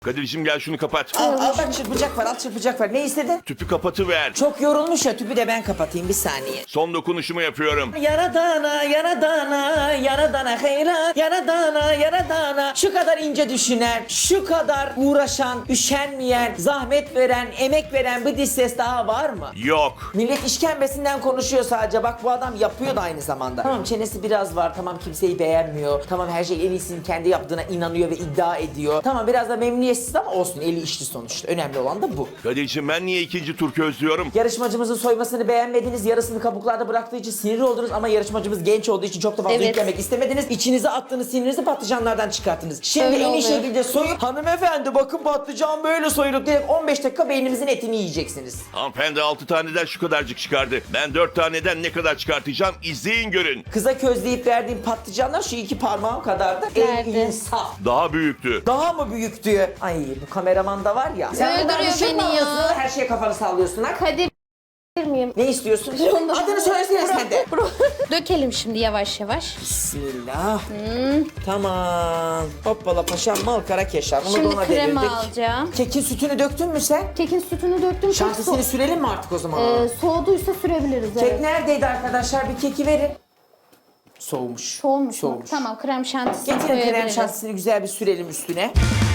Kadir'cim gel şunu kapat. Al bak çırpacak var, al çırpacak var. Ne istedin? Tüpü kapatıver. Çok yorulmuş ya, tüpü de ben kapatayım bir saniye. Son dokunuşumu yapıyorum. Yaradana, yaradana, yaradana hayran, yaradana, yaradana. Şu kadar ince düşünen, şu kadar uğraşan, üşenmeyen, zahmet veren, emek veren bir diş ses daha var mı? Yok. Millet işkembesinden konuşuyor sadece. Bak bu adam yapıyor da aynı zamanda. Tamam çenesi biraz var, tamam kimseyi beğenmiyor. Tamam her şey en iyisini kendi yaptığına inanıyor ve iddia ediyor. Tamam biraz da memnuniyetsiz ama olsun, eli işli sonuçta. Önemli olan da bu. Kadir'cim ben niye ikinci tur közlüyorum? Yarışmacımızın soymasını beğenmediniz, yarısını kabuklarda bıraktığı için sinir oldunuz ama yarışmacımız genç olduğu için çok da fazla Evet. yüklemek istemediniz. İçinize attığınız sinirinizi patlıcanlardan çıkarttınız. Şimdi Öyle en iyi oluyor. şekilde soyup hanımefendi bakın patlıcan böyle soyulur direkt 15 dakika beynimizin etini yiyeceksiniz. Hanımefendi 6 taneden şu kadarcık çıkardı. Ben 4 taneden ne kadar çıkartacağım izleyin görün. Kıza közleyip verdiğim patlıcanlar şu 2 parmağım kadardı. Nerede? İnsaf. Daha büyüktü. Daha mı büyüktü? Ay bu kameraman da var ya. Sen bundan Öldürüyor bir şey mi beni ya. alıyorsun? Her şeye kafanı sallıyorsun ha. Kadir miyim? Ne istiyorsun? Adını söylesene sen de. Dökelim şimdi yavaş yavaş. Bismillah. Tamam. Hoppala paşam mal kara keşan. Bunu Şimdi da ona krema devirdik. alacağım. Kekin sütünü döktün mü sen? Kekin sütünü döktüm. Çok Şantisini sürelim mi artık o zaman? soğuduysa sürebiliriz. Kek Evet. neredeydi arkadaşlar? Bir keki verin. Soğumuş. Soğumuş mu? Soğumuş. Tamam krem şantisini Getirin krem koyabiliriz. şantisini güzel bir sürelim üstüne.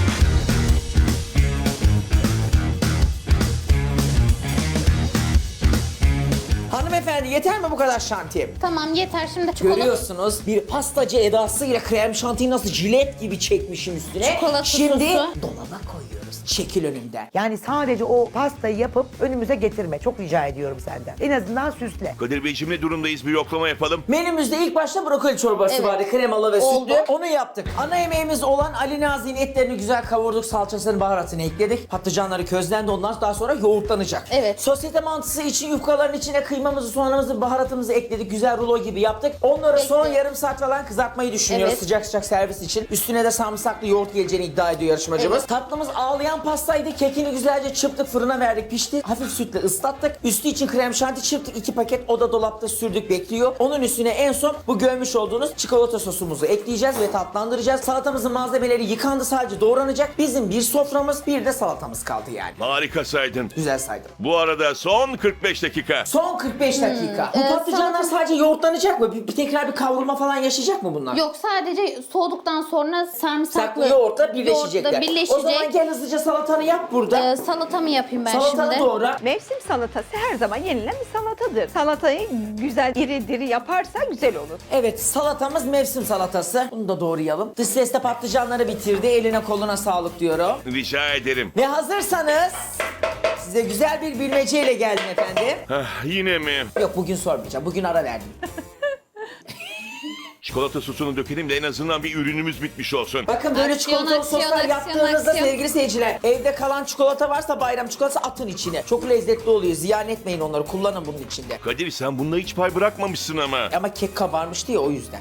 Hanımefendi yeter mi bu kadar şanti? Tamam yeter şimdi çikolata. Görüyorsunuz bir pastacı edasıyla krem şantiyi nasıl jilet gibi çekmişim üstüne. Çikolata Şimdi sosu. dolaba koyuyoruz. Çekil önümden. Yani sadece o pastayı yapıp önümüze getirme. Çok rica ediyorum senden. En azından süsle. Kadir Beyciğim ne durumdayız bir yoklama yapalım. Menümüzde ilk başta brokoli çorbası Evet. vardı. Kremalı ve Oldu. sütlü. Onu yaptık. Ana yemeğimiz olan Ali Nazi'nin etlerini güzel kavurduk. Salçasını, baharatını ekledik. Patlıcanları közlendi. Ondan daha sonra yoğurtlanacak. Evet. Sosyete mantısı için yufkaların içine kıymamızı, soğanımızı, baharatımızı ekledik. Güzel rulo gibi yaptık. Onları son Bekle. yarım saat falan kızartmayı düşünüyoruz. Evet. Sıcak sıcak servis için. Üstüne de sarımsaklı yoğurt geleceğini iddia ediyor yarışmacımız. Evet. Tatlımız ağlayan pastaydı. Kekini güzelce çırptık, fırına verdik, pişti. Hafif sütle ıslattık. Üstü için krem şanti çırptık. 2 paket o da dolapta sürdük, bekliyor. Onun üstüne en son bu görmüş olduğunuz çikolata sosumuzu ekleyeceğiz ve tatlandıracağız. Salatamızın malzemeleri yıkandı, sadece doğranacak. Bizim bir soframız, bir de salatamız kaldı yani. Harika saydın. Güzel saydım. Bu arada son 45 dakika. Son 45 dakika. Bu patlıcanlar sadece yoğurtlanacak mı? Bir tekrar bir kavrulma falan yaşayacak mı bunlar? Yok sadece soğuduktan sonra sarımsaklı Saklı yoğurtla birleşecekler. yoğurtla birleşecek. O zaman gel hızlıca salatanı yap burada. Salatamı yapayım ben Salatanı şimdi. doğra. Mevsim salatası her zaman yenilen bir salatadır. Salatayı güzel diri diri yaparsa güzel olur. Evet, salatamız mevsim salatası. Bunu da doğrayalım. Dış ses de patlıcanları bitirdi. Eline koluna sağlık diyorum. Rica ederim. Ve hazırsanız size güzel bir bilmeceyle geldim efendim. Yine mi? Yok bugün sormayacağım. Bugün ara verdim. Çikolata sosunu dökelim de en azından bir ürünümüz bitmiş olsun. Bakın böyle Aksiyon, çikolatalı aksiyon, soslar aksiyon, yaptığınızda aksiyon. sevgili seyirciler, evde kalan çikolata varsa bayram çikolatası atın içine. Çok lezzetli oluyor. Ziyan etmeyin onları. Kullanın bunun içinde. Kadir sen bunda hiç pay bırakmamışsın ama. Ama kek kabarmıştı ya o yüzden.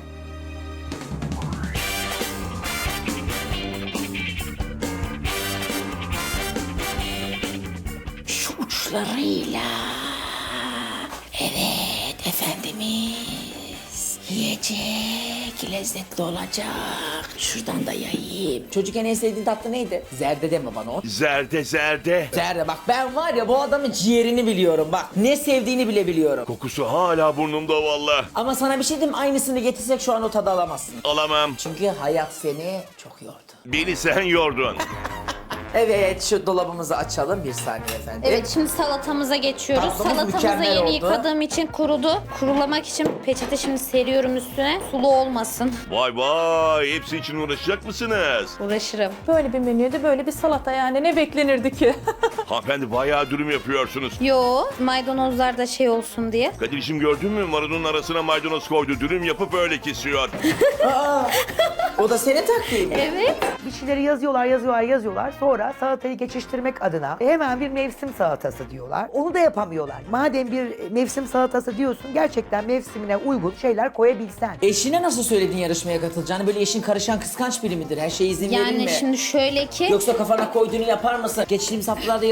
Şu uçlarıyla. Evet efendimiz. Yiyecek, lezzetli olacak. Şuradan da yayayım. Çocukken en sevdiğin tatlı neydi? Zerde deme bana o. Zerde zerde. Zerde bak ben var ya bu adamın ciğerini biliyorum bak. Ne sevdiğini bile biliyorum. Kokusu hala burnumda valla. Ama sana bir şey diyeyim mi? Aynısını getirsek şu an o tadı alamazsın. Alamam. Çünkü hayat seni çok yordu. Beni sen yordun. Evet şu dolabımızı açalım bir saniye efendim. Evet şimdi salatamıza geçiyoruz. Tatlımız Salatamızı mükemmel yeni oldu. yıkadığım için kurudu. Kurulamak için peçete şimdi seriyorum üstüne. Sulu olmasın. Vay vay hepsi için uğraşacak mısınız? Uğraşırım. Böyle bir menüydü, böyle bir salata yani ne beklenirdi ki? Hanımefendi bayağı dürüm yapıyorsunuz. Yo maydanozlar da şey olsun diye. Kadir'cim gördün mü marulun arasına maydanoz koydu. Dürüm yapıp öyle kesiyor. O da senin taktiğin mi? Evet. Bir şeyleri yazıyorlar. Sonra salatayı geçiştirmek adına hemen bir mevsim salatası diyorlar. Onu da yapamıyorlar. Madem bir mevsim salatası diyorsun, gerçekten mevsimine uygun şeyler koyabilsen. Eşine nasıl söyledin yarışmaya katılacağını? Böyle eşin karışan kıskanç biri midir? Her şeye izin verir mi? Yani şimdi şöyle ki Yoksa kafana koyduğunu yapar mısın? Geçtiğimiz haftalarda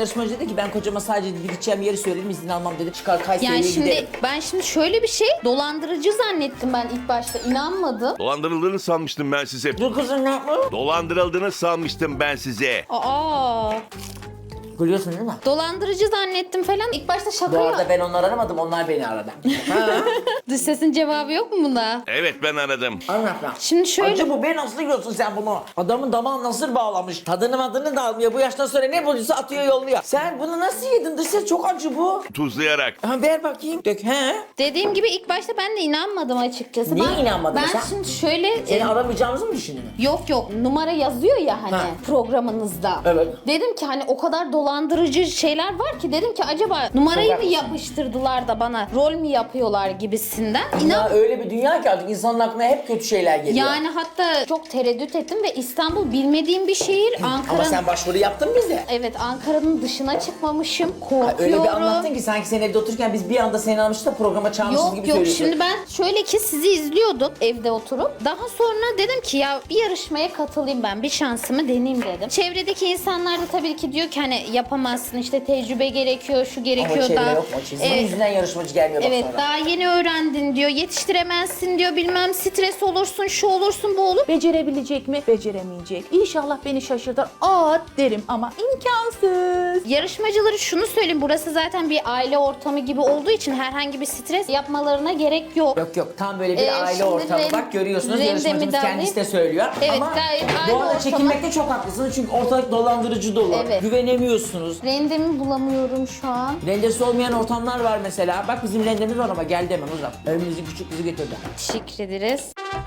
yarışmacı dedi ki ben kocama sadece dedi, gideceğim yeri söyledim izin almam dedi. Çıkar Kayseri'ye Yani şimdi gidelim. ben şimdi şöyle bir şey dolandırıcı zannettim ben ilk başta inanmadım. Dolandırıldığını sanmıştım ben size. Dur kızım ne yapma? Dolandırıldığını sanmıştım ben size. Aa, Gülüyorsun değil mi? dolandırıcı zannettim falan. İlk başta şaka Bu ya. arada ben onları aramadım, onlar beni aradı. Ha? Dış sesin cevabı yok mu buna? Evet ben aradım. Anlat lan. Şimdi şöyle Acı bu, ben nasıl yiyorsun sen bunu? Adamın damağı nasıl bağlamış? Tadını madını da almıyor. Bu yaştan sonra ne bulduysa atıyor yolluyor. Sen bunu nasıl yedin? Dışarı çok acı bu. Tuzlayarak. Ha, ver bakayım. Dök. He? dediğim gibi ilk başta ben de inanmadım açıkçası. Niye Ben- inanmadın Ben sen? şimdi şöyle Seni aramayacağımızı mı düşündün? yok numara yazıyor ya hani Ha. programınızda. Evet. Dedim ki hani o kadar dolandırıcı şeyler var ki dedim ki acaba numarayı Çok mı haklısın. yapıştırdılar da bana rol mü yapıyorlar gibisinden. Ya İnan öyle bir dünya ki artık insanın aklına hep kötü şeyler geliyor. yani hatta çok tereddüt ettim ve İstanbul bilmediğim bir şehir. Ama Ankara'nın sen başvuru yaptın bize. evet Ankara'nın dışına çıkmamışım. Ha, Korkuyorum. öyle bir anlattın ki sanki sen evde otururken biz bir anda seni almışız da programa çağırmışız gibi Yok söylüyorsun. şimdi ben şöyle ki sizi izliyordum evde oturup. Daha sonra dedim ki ya bir yarışmaya katılayım ben bir şansımı deneyeyim dedim. Çevredeki insanlar da tabii ki diyor ki hani yapamazsın işte tecrübe gerekiyor şu Ama gerekiyor çevre da. yok mu? Çizmenin yüzünden yarışmacı gelmiyor bak Evet sonra. daha yeni öğrendin diyor yetiştiremezsin diyor bilmem stres olursun şu olursun bu olur. Becerebilecek mi? Beceremeyecek. İnşallah beni şaşırtır. Aa derim ama imkansız. Yarışmacıları şunu söyleyeyim burası zaten bir aile ortamı gibi olduğu için herhangi bir stres yapmalarına gerek yok. Yok tam böyle bir aile şimdi ortamı. Bak görüyorsunuz rendemi yarışmacımız de kendisi de alayım. söylüyor. Evet, Ama gayet aile bu arada ortamı. çekinmekte çok haklısınız çünkü ortalık dolandırıcı dolu. Evet. Güvenemiyorsunuz. Rendemi bulamıyorum şu an. Rendesi olmayan ortamlar var mesela. Bak bizim rendemiz var ama geldi hemen uzak. Evimizin küçük kızı getirdi. Teşekkür ederiz.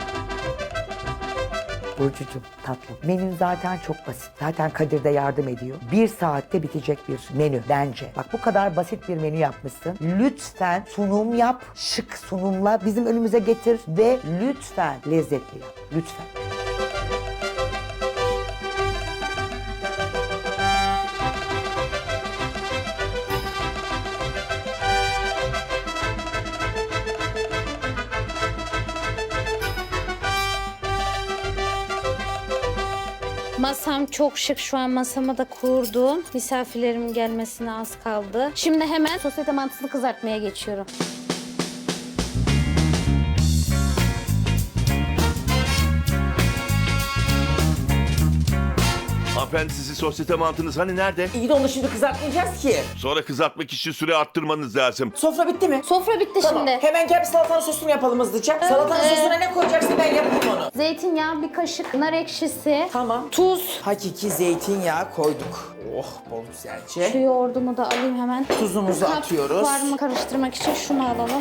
Burcucuğum tatlım. Menün zaten çok basit. Zaten Kadir de yardım ediyor. 1 saatte bitecek bir menü bence. Bak bu kadar basit bir menü yapmışsın. Lütfen sunum yap. Şık sunumla bizim önümüze getir ve lütfen lezzetli yap. Lütfen. Masam çok şık. Şu an masamı da kurdum. Misafirlerim gelmesine az kaldı. Şimdi hemen sosyete mantısını kızartmaya geçiyorum. Hanımefendi sizin sosyete mantınız hani nerede? İyi de onu şimdi kızartmayacağız ki. Sonra kızartmak için süre arttırmanız lazım. Sofra bitti mi? Sofra bitti Tamam. şimdi. Hemen gel bir salatanın sosunu yapalım hızlıca. Salatanın sosuna ne koyacaksın ben yapayım onu. Zeytinyağı, bir kaşık nar ekşisi, Tamam. tuz. Hakiki zeytinyağı koyduk. Oh bol Şu güzelce. yoğurdumu da alayım hemen. Tuzumuzu Kap atıyoruz. var mı karıştırmak için şunu alalım.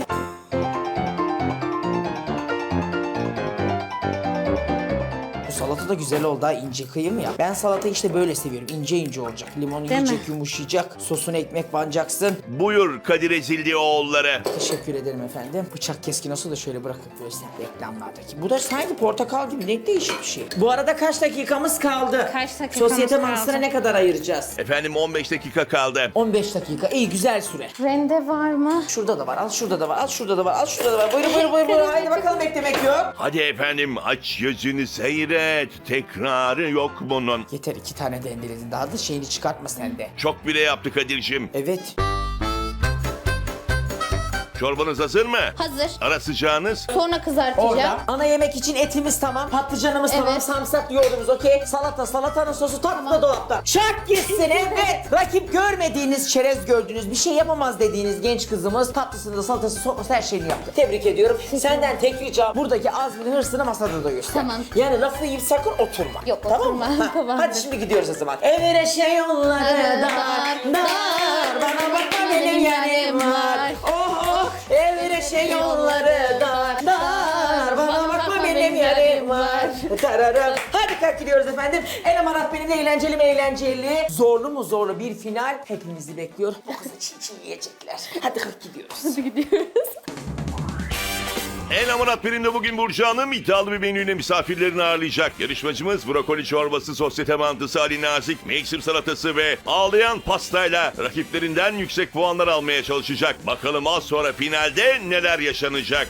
Bu salata da güzel oldu ha, ince kıyım ya. Ben salatayı işte böyle seviyorum. İnce ince olacak. Limonu Değil mi? yiyecek, yumuşayacak. Sosuna ekmek banacaksın. Buyur Kadir Ezildioğulları. Teşekkür ederim efendim. Bıçak keskin olsa da şöyle bırakıp göster reklamlardaki. Bu da sanki portakal gibi, ne değişik bir şey. Bu arada kaç dakikamız kaldı? Kaç dakikamız Sosyete kaldı? mantısına ne kadar ayıracağız? Efendim 15 dakika kaldı. 15 dakika. İyi, güzel süre. Rende var mı? Şurada da var, al şurada da var, al şurada da var, al şurada da var. Buyurun buyurun buyurun. buyurun. Haydi bakalım, beklemek yok. Hadi efendim aç gözünü seyret. Tekrarı yok bunun. Yeter, 2 tane de endeledin. Daha da şeyini çıkartma sen de. Çok bile yaptı Kadir'cim. Evet. Çorbanız hazır mı? Hazır. Ara sıcağınız. Sonra kızartacağım. Orada. Ana yemek için etimiz tamam, patlıcanımız tamam, Evet. sarımsak yoğurdumuz okey. Salatanın sosu tam da dolapta. Şak gitsin evet. Rakip görmediğiniz, çerez gördüğünüz, bir şey yapamaz dediğiniz genç kızımız tatlısını da salatası sofrası her şeyini yaptı. Tebrik ediyorum. Senden tek ricam buradaki azmini, hırsını masada da göster. Tamam. Yani lafı yiyip sakın oturma. Yok, tamam oturmam. mı? Ha, Tamamdır. Hadi şimdi gidiyoruz o zaman. Evire şey yolları dar, dar. Bana bakma benim yarim var. Oh oh. Evire şey yolları dar, dar. Bana bakma benim yarim var. Tararım. Hadi kalk gidiyoruz efendim. El amarat benim de eğlenceli mi eğlenceli. Zorlu mu zorlu bir final hepimizi bekliyor. Bu kızı çiğ çiğ yiyecekler. Hadi kalk gidiyoruz. El Amanat Birim'de bugün Burcu Hanım iddialı bir menüyle misafirlerini ağırlayacak. Yarışmacımız brokoli çorbası, sosyete mantısı, Ali Nazik, mevsim salatası ve ağlayan pastayla rakiplerinden yüksek puanlar almaya çalışacak. Bakalım az sonra finalde neler yaşanacak.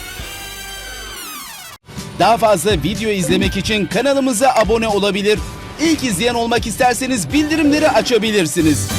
Daha fazla video izlemek için kanalımıza abone olabilir. İlk izleyen olmak isterseniz bildirimleri açabilirsiniz.